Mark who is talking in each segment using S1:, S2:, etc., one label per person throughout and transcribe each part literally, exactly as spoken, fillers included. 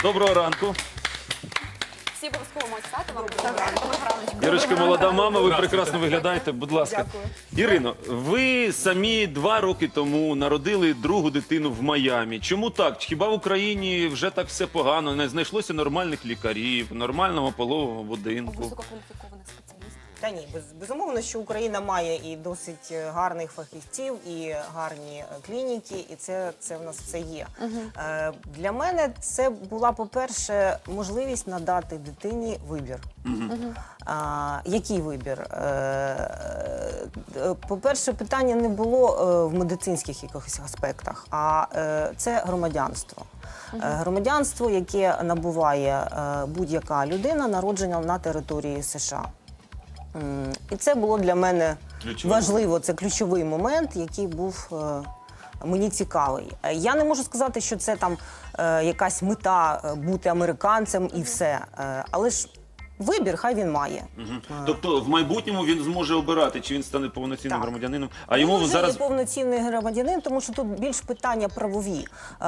S1: Доброго ранку.
S2: Всі обов'язково мають стати вам. Доброго ранку.
S1: Ірочка, молода мама, ви прекрасно виглядаєте, будь ласка. Ірино, ви самі два роки тому народили другу дитину в Майамі. Чому так? Хіба в Україні вже так все погано? Не знайшлося нормальних лікарів, нормального пологового будинку?
S2: Висококваліфікованих спеціалістів.
S3: Та ні, без, безумовно, що Україна має і досить гарних фахівців, і гарні клініки, і це, це в нас все є. Uh -huh. е, для мене це була, по-перше, можливість надати дитині вибір. Uh -huh. а, який вибір? Е, по-перше, питання не було е, в медицинських якихось аспектах, а е, це громадянство. Uh -huh. Громадянство, яке набуває е, будь-яка людина, народжена на території США. І це було для мене ключовий. важливо, це ключовий момент, який був е, мені цікавий. Я не можу сказати, що це там е, якась мета бути американцем і все, е, але ж вибір хай він має.
S1: Угу. Тобто в майбутньому він зможе обирати, чи він стане повноцінним
S3: так.
S1: громадянином. А йому
S3: він вже
S1: зараз...
S3: є повноцінний громадянин, тому що тут більш питання правові.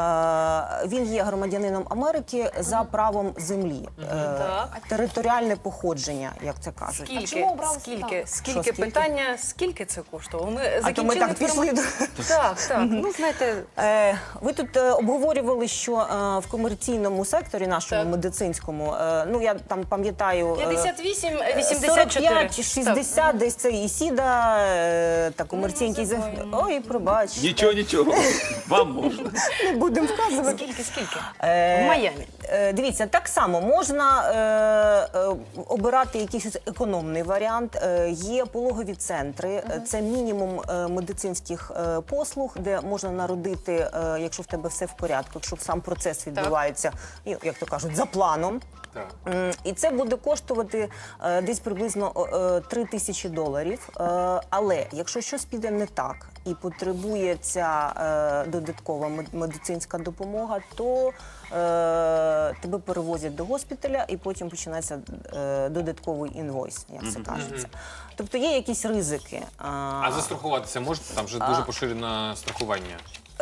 S3: Е, він є громадянином Америки за правом землі. Е, територіальне походження, як це кажуть.
S2: Скільки,
S4: чому обрали
S2: скільки,
S4: так?
S2: скільки,
S3: Що, скільки?
S2: питання, скільки це коштувало? Ми
S3: А то ми
S2: закінчили
S3: так пішли до...
S2: Так, так. Ну, знаєте,
S3: Е, ви тут е, обговорювали, що е, в комерційному секторі нашому
S2: Так.
S3: медицинському, е, ну я там пам'ятаю, е,
S2: п'ятдесят вісім вісімдесят
S3: сорок
S2: чотири.
S3: п'ять шістдесят, десь це і СІДА, е, та комерційний...
S2: Ну,
S3: Ой, пробач.
S1: Нічого, нічого. Вам можна.
S3: Не будемо вказувати.
S2: Скільки, скільки?
S3: Е,
S2: В Майамі.
S3: е, Дивіться, так само можна е, е, обирати якийсь економний варіант. Е, є пологові центри, е, це мінімум е, медицинських е, послуг, де можна народити, е, якщо в тебе все в порядку, якщо сам процес відбувається, і, як то кажуть, за планом.
S5: Так.
S3: М, І це буде коштувати е, десь приблизно е, три тисячі доларів. Е, але якщо щось піде не так і потребується е, додаткова мед- медицинська допомога, то е, тебе перевозять до госпіталя і потім починається е, додатковий інвойс, як це кажеться. Тобто є якісь ризики.
S5: А застрахуватися можете? Там вже дуже поширене страхування.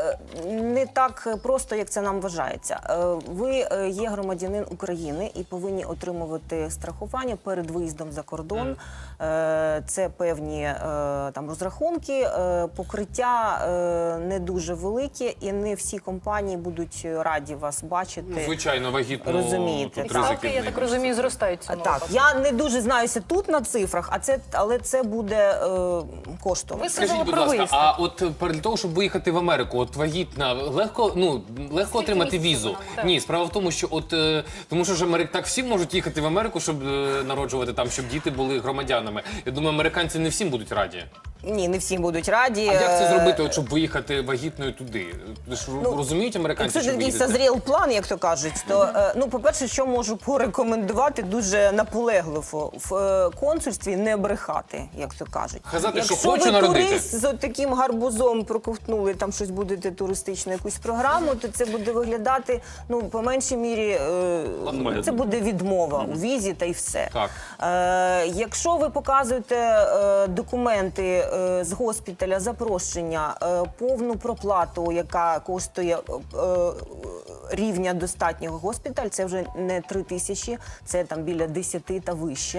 S3: Не так просто, як це нам вважається. Е, Ви е, є громадянин України і повинні отримувати страхування перед виїздом за кордон. Е, Це певні е, там розрахунки, е, покриття е, не дуже велике, і не всі компанії будуть раді вас бачити.
S5: Звичайно, вагітну
S3: Розумієте,
S5: тут
S3: так.
S5: ризики
S2: Ставки, я
S5: в них.
S2: так розумію, зростають в цьому
S3: Так,
S2: випадку.
S3: я не дуже знаюся тут на цифрах, а це, але це буде е, коштувати.
S2: Ви сказали
S5: Скажіть, будь
S2: про
S5: ласка,
S2: виїзд.
S5: а от для того, щоб виїхати в Америку, от вагітна, легко, ну, легко отримати
S2: місяців
S5: візу?
S2: вона має?
S5: Ні, справа в тому, що от, е, тому що ж Америк, так всі можуть їхати в Америку, щоб е, народжувати там, щоб діти були громадянами. Я думаю, американці не всім будуть раді.
S3: Ні, не всі будуть раді.
S5: А як це
S3: Е,
S5: зробити, от, щоб виїхати вагітною туди? Ви ж розуміють американці,
S3: Якщо
S5: що
S3: це
S5: ви
S3: такий
S5: їдете?
S3: созріл план, як то кажуть, то, е, ну, по-перше, що можу порекомендувати дуже наполегливо в е, консульстві не брехати, як то кажуть.
S5: Казати, що
S3: Якщо
S5: хочу
S3: ви
S5: народити.
S3: турист з таким гарбузом проковтнули, там щось будете туристичну якусь програму, то це буде виглядати, ну, по меншій мірі, е, це буде відмова у візі та й все.
S5: Так.
S3: Е, якщо ви показуєте е, документи е, з госпіталя, запрошення, е, повну проплату, яка коштує е, е, рівня достатнього госпіталь, це вже не три тисячі, це там біля десяти та вище.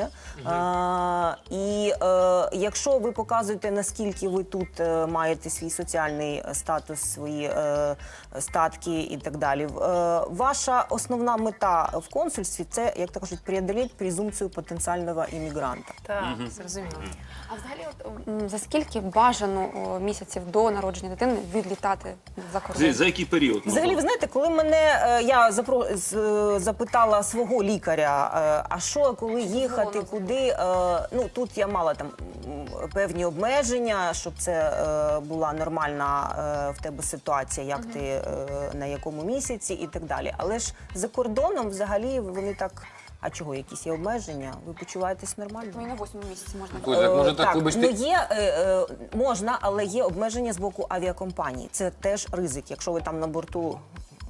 S3: Е, і е, якщо ви показуєте, наскільки ви тут е, маєте свій соціальний статус, свої е, статки і так далі, е, ваша основна мета в консульстві – це, як то кажуть, преодолеть презумпцію потенціального іммігранта.
S2: Так, зрозуміло.
S4: А взагалі, от, м, за скільки бажано о, місяців до народження дитини відлітати за кордон?
S1: За, за який період?
S3: Взагалі, ви знаєте, коли мене е, я запро, з, е, запитала свого лікаря, е, а що, коли їхати, куди, е, ну тут я мала там м, певні обмеження, щоб це е, була нормальна е, в тебе ситуація, як ти е, на якому місяці і так далі. Але ж за кордоном взагалі вони так. А чого, якісь є обмеження? Ви почуваєтесь нормально?
S4: Ну, і на восьмому місяці можна.
S5: Ой, так, може,
S3: Е,
S5: так, вибачте.
S3: ну є, е, е, можна, але є обмеження з боку авіакомпаній. Це теж ризик. Якщо ви там на борту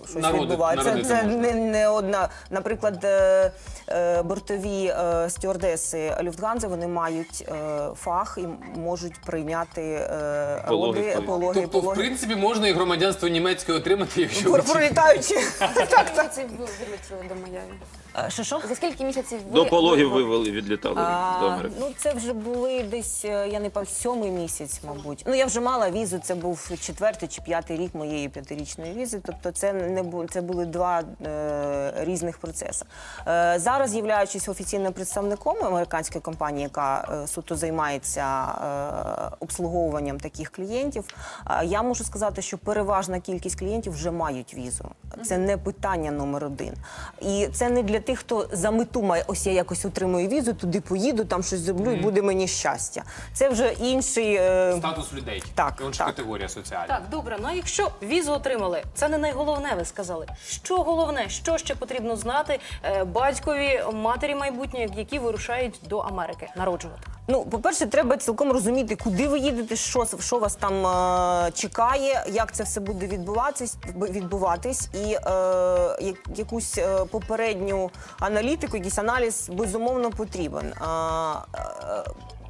S3: щось
S5: Народи-
S3: відбувається.
S5: народити
S3: Це
S5: можна.
S3: не, не одна. Наприклад, е, е, бортові е, стюардеси Люфтганзи, вони мають е, фах і можуть прийняти е,
S1: Пологи,
S3: роди,
S1: пологи.
S3: пологи,
S5: Тобто, в
S3: пологи.
S5: принципі, можна і громадянство німецьке отримати, якщо ви
S3: Пролітаючи. Так, так.
S4: Місяців ви вилетіли до Майамі?
S3: Е, Що, що?
S4: За скільки місяців ви...
S1: До пологів
S4: ви-
S1: вивели, відлітали до
S3: А,
S1: Америки.
S3: ну, це вже були десь, е, я не пам'ятаю, сьомий місяць, мабуть. Ну, я вже мала візу, це був четвертий чи п'ятий рік моєї п'ятирічної візи. Тобто це не бу- це були два е, різних процеси. Е, зараз, являючись офіційним представником американської компанії, яка е, суто займається е, обслуговуванням таких клієнтів, е, я можу сказати, що переважна кількість клієнтів вже мають візу. Це не питання номер один. І це не для тих, хто за мету має, ось я якось отримую візу, туди поїду, там щось зроблю, і буде мені щастя. Це вже інший... е,
S5: статус людей.
S3: Так,
S5: Інша
S3: так.
S5: категорія соціальна.
S6: Так, добре. Ну а якщо візу отримали, це не найголовне, ви сказали. Що головне, що ще потрібно знати е, батькові, матері майбутньої, які вирушають до Америки народжувати?
S3: Ну, по-перше, треба цілком розуміти, куди ви їдете, що, що вас там е, чекає, як це все буде відбуватись, відбуватись. І е, я- якусь е, попередню аналітику, якийсь аналіз, безумовно, потрібен. А, е,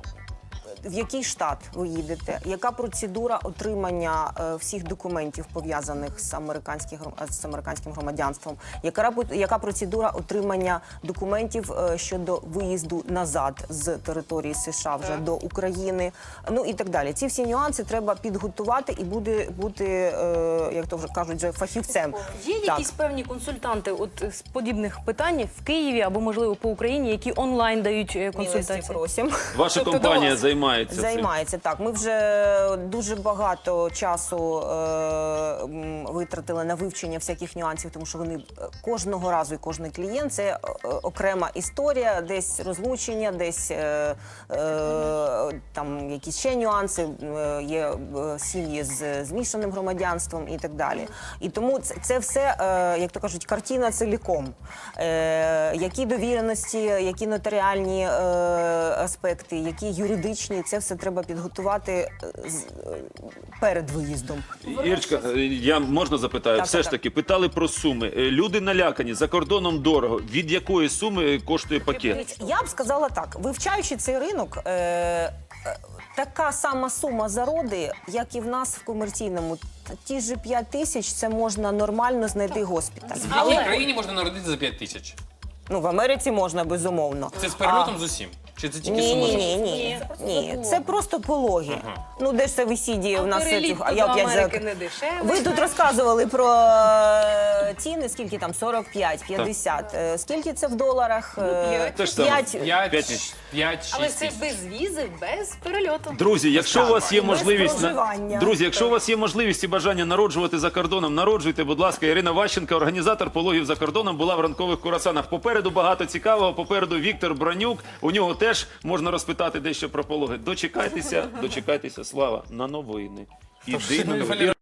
S3: в який штат ви їдете, яка процедура отримання е, всіх документів, пов'язаних з американським, гром- з американським громадянством, яка, рапо- яка процедура отримання документів е, щодо виїзду назад з території США вже до України, ну і так далі. Ці всі нюанси треба підготувати і буде бути, е, як то вже кажуть, вже фахівцем.
S6: Є
S3: Так.
S6: якісь певні консультанти от з подібних питань в Києві або можливо по Україні, які онлайн дають е,
S3: Милості
S6: консультації?
S3: просимо.
S1: Ваша
S6: тобто до
S1: компанія
S6: вас?
S1: займається цим.
S3: Займається, так. Ми вже дуже багато часу е, м, витратили на вивчення всяких нюансів, тому що вони е, кожного разу і кожен клієнт це е, окрема історія, десь розлучення, десь е, е, там якісь ще нюанси, е, є е, сім'ї з змішаним громадянством і так далі. І тому це, це все, е, як то кажуть, картина ціліком. Е, які довіреності, які нотаріальні е, аспекти, які юридичні, це все треба підготувати е, з- е, перед виїздом.
S1: Ірочка, е, я можна запитаю?
S3: Так,
S1: Все
S3: так,
S1: ж
S3: так.
S1: таки, питали про суми. Е, Люди налякані, за кордоном дорого. Від якої суми коштує пакет?
S3: Дивіться, я б сказала так: вивчаючи цей ринок, е, е, така сама сума за роди, як і в нас в комерційному. Ті ж п'ять тисяч це можна нормально знайти госпіталь.
S5: В якій країні можна народити за п'ять тисяч?
S3: Ну, в Америці можна, безумовно.
S5: Це з перельотом з усім? Чи це тільки
S3: Ні,
S5: сума?
S3: ні,
S5: за-
S3: ні, ні, ні. Це просто пологи. Ну, де ж це висідіє
S6: А
S3: у нас?
S6: переліт
S3: а
S6: до
S3: я опять за-
S6: Америки не дешевий.
S3: Ви тут розказували про е, ціни, скільки там сорок п'ять, п'ятдесят. Е, Скільки це в доларах? Е,
S1: Те ж саме.
S3: п'ять.
S5: П'ять,
S1: П'ять.
S5: п'ять,
S6: Але
S5: шість
S6: це
S5: тисяч.
S6: без візи, без перельоту.
S1: Друзі, якщо у вас є
S3: Без
S1: можливість на-
S3: проживання.
S1: друзі, якщо у вас є можливість і бажання народжувати за кордоном, народжуйте, будь ласка. Ірина Ващенко, організатор пологів за кордоном, була в ранкових курасанах. Попереду багато цікавого. Попереду Віктор Бронюк. У нього теж можна розпитати дещо про пологи. Дочекайтеся, дочекайтеся. Слава на новини. Іди на новини.